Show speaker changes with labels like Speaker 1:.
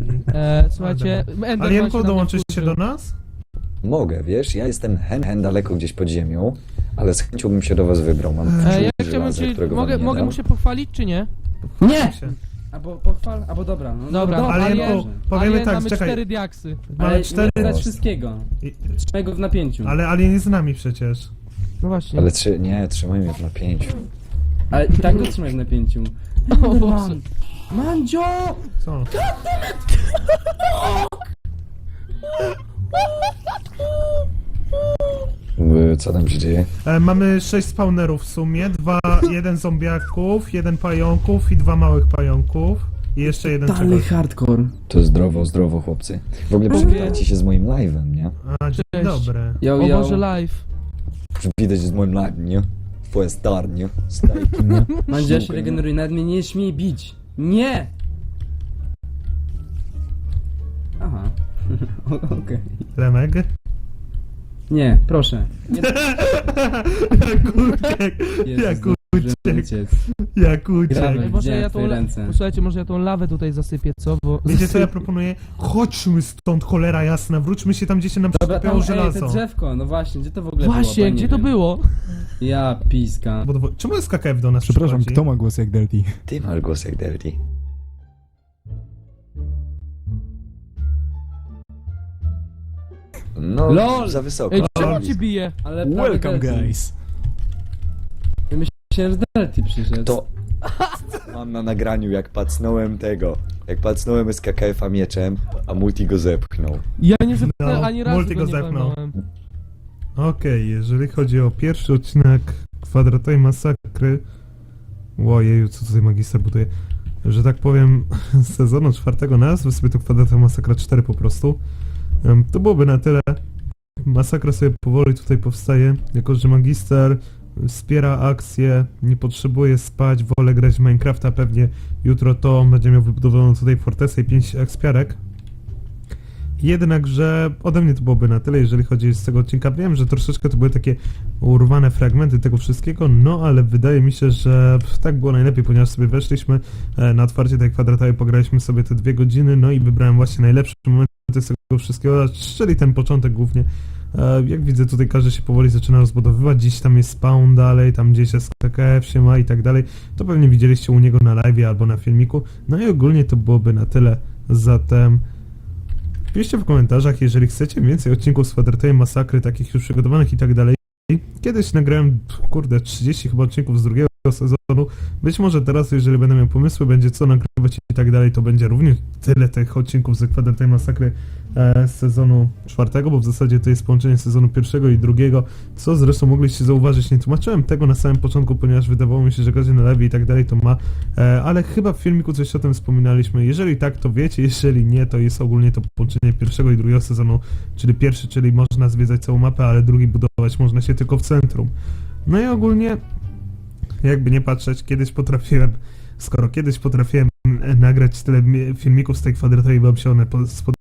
Speaker 1: Słuchajcie, Enderman
Speaker 2: Alienko,
Speaker 1: się
Speaker 2: dołączysz
Speaker 1: na
Speaker 2: się
Speaker 1: mnie
Speaker 2: do nas?
Speaker 3: Mogę, wiesz, ja jestem hen daleko gdzieś pod ziemią, ale z chęcią bym się do was wybrał. Mam
Speaker 1: Ja
Speaker 3: żółty
Speaker 1: chciałbym
Speaker 3: żelazo,
Speaker 1: ci...
Speaker 3: którego wam nie
Speaker 1: Mogę
Speaker 3: dam.
Speaker 1: mu się pochwalić, czy nie?
Speaker 4: Nie!
Speaker 2: Się.
Speaker 4: Albo pochwal, albo dobra. No,
Speaker 1: Dobra,
Speaker 2: Alienko, powiemy
Speaker 1: Alien,
Speaker 2: tak,
Speaker 1: mamy
Speaker 2: czekaj.
Speaker 1: 4 diaksy.
Speaker 4: Ale
Speaker 2: Mamy 4...
Speaker 4: nie dać wszystkiego. Trzymaj go w napięciu.
Speaker 2: Ale Alien jest z nami przecież.
Speaker 1: No właśnie.
Speaker 3: Ale trzymaj mnie w napięciu.
Speaker 4: Ale i tak go trzymaj w napięciu.
Speaker 1: O Boże.
Speaker 4: Man! Mandzio!
Speaker 2: Co?
Speaker 3: Co tam się dzieje?
Speaker 2: Mamy 6 spawnerów w sumie, jeden zombiaków, 1 pająków i 2 małych pająków. I jeszcze jeden
Speaker 4: Dalej
Speaker 2: czegoś.
Speaker 4: hardcore.
Speaker 3: To zdrowo, chłopcy. W ogóle przywitajcie się z moim live'em, nie?
Speaker 2: A, dzień
Speaker 1: Cześć.
Speaker 2: dobry.
Speaker 4: Yo,
Speaker 1: O
Speaker 4: yo.
Speaker 1: Boże, live.
Speaker 3: Przywitaj się z moim live'em, nie? Twoja star, nie? Stajki, nie?
Speaker 4: Mandzio się regeneruje, nawet mnie nie śmiej bić. Nie! Aha. Okej.
Speaker 2: Remek?
Speaker 4: Nie, proszę. Nie,
Speaker 2: Jak uciekł,
Speaker 4: Jezus,
Speaker 2: jak
Speaker 4: zdążyłem
Speaker 2: uciekł,
Speaker 4: uciec.
Speaker 2: jak
Speaker 4: Gramy.
Speaker 2: uciekł.
Speaker 1: Może ja
Speaker 4: Widziałem twoje
Speaker 1: tą...
Speaker 4: ręce.
Speaker 1: Słuchajcie, może ja tą lawę tutaj zasypię, co? Bo...
Speaker 2: Wiecie co ja proponuję? Chodźmy stąd, cholera jasna, wróćmy się tam, gdzie się nam
Speaker 4: Dobra,
Speaker 2: przylepiało
Speaker 4: tam,
Speaker 2: żelazo.
Speaker 4: te drzewko, no właśnie, gdzie to w ogóle było? Bo
Speaker 1: Właśnie,
Speaker 4: ja nie
Speaker 1: gdzie to
Speaker 4: wiem.
Speaker 1: było?
Speaker 4: Ja piska.
Speaker 2: Czemu SKKF do nas
Speaker 5: Przepraszam,
Speaker 2: przychodzi?
Speaker 5: kto ma głos jak Delty?
Speaker 3: Ty masz głos jak Delty. No,
Speaker 4: LOL!
Speaker 3: za wysoko.
Speaker 1: Ej, czemu cię bije?
Speaker 4: Ale prawie
Speaker 5: Welcome
Speaker 4: Delty.
Speaker 5: guys!
Speaker 4: Myślałem, że Delty przyszedł.
Speaker 3: To mam na nagraniu, jak pacnąłem tego. Jak pacnąłem SKKF-a mieczem, a Multi go zepchnął.
Speaker 1: Ja nie zepnąłem
Speaker 2: No,
Speaker 1: ani razu
Speaker 2: multi
Speaker 1: go
Speaker 2: go
Speaker 1: nie
Speaker 2: zepnął.
Speaker 1: walnąłem.
Speaker 2: Okej, jeżeli chodzi o pierwszy odcinek Kwadratowej Masakry... Łojeju, co tutaj magister buduje? Że tak powiem, z sezonu 4 nazwy sobie to Kwadratowa Masakra 4 po prostu. To byłoby na tyle. Masakra sobie powoli tutaj powstaje, jako że magister wspiera akcję, nie potrzebuje spać, wolę grać w Minecrafta, pewnie jutro to będzie miał wybudowaną tutaj fortecę i 5 ekspiarek. Jednakże ode mnie to byłoby na tyle, jeżeli chodzi z tego odcinka. Wiem, że troszeczkę to były takie urwane fragmenty tego wszystkiego, no ale wydaje mi się, że tak było najlepiej, ponieważ sobie weszliśmy na otwarcie tej kwadratowej, pograliśmy sobie te 2 godziny, no i wybrałem właśnie najlepsze momenty z tego wszystkiego, czyli ten początek głównie. Jak widzę, tutaj każdy się powoli zaczyna rozbudowywać, gdzieś tam jest spawn dalej, tam gdzieś SKKF się ma i tak dalej. To pewnie widzieliście u niego na live albo na filmiku. No i ogólnie to byłoby na tyle, zatem... Piszcie w komentarzach, jeżeli chcecie więcej odcinków z Kwadratowej Masakry, takich już przygotowanych i tak dalej. Kiedyś nagrałem, kurde, 30 chyba odcinków z drugiego sezonu. Być może teraz, jeżeli będę miał pomysły, będzie co nagrywać i tak dalej, to będzie również tyle tych odcinków z Kwadratowej Masakry z sezonu 4, bo w zasadzie to jest połączenie sezonu 1 i 2, co zresztą mogliście zauważyć. Nie tłumaczyłem tego na samym początku, ponieważ wydawało mi się, że każdy na live i tak dalej to ma, ale chyba w filmiku coś o tym wspominaliśmy. Jeżeli tak, to wiecie, jeżeli nie, to jest ogólnie to połączenie 1 i 2 sezonu, czyli pierwszy, czyli można zwiedzać całą mapę, ale drugi budować można się tylko w centrum. No i ogólnie, jakby nie patrzeć, skoro kiedyś potrafiłem nagrać tyle filmików z tej kwadratowej, bo mi się one spodobały,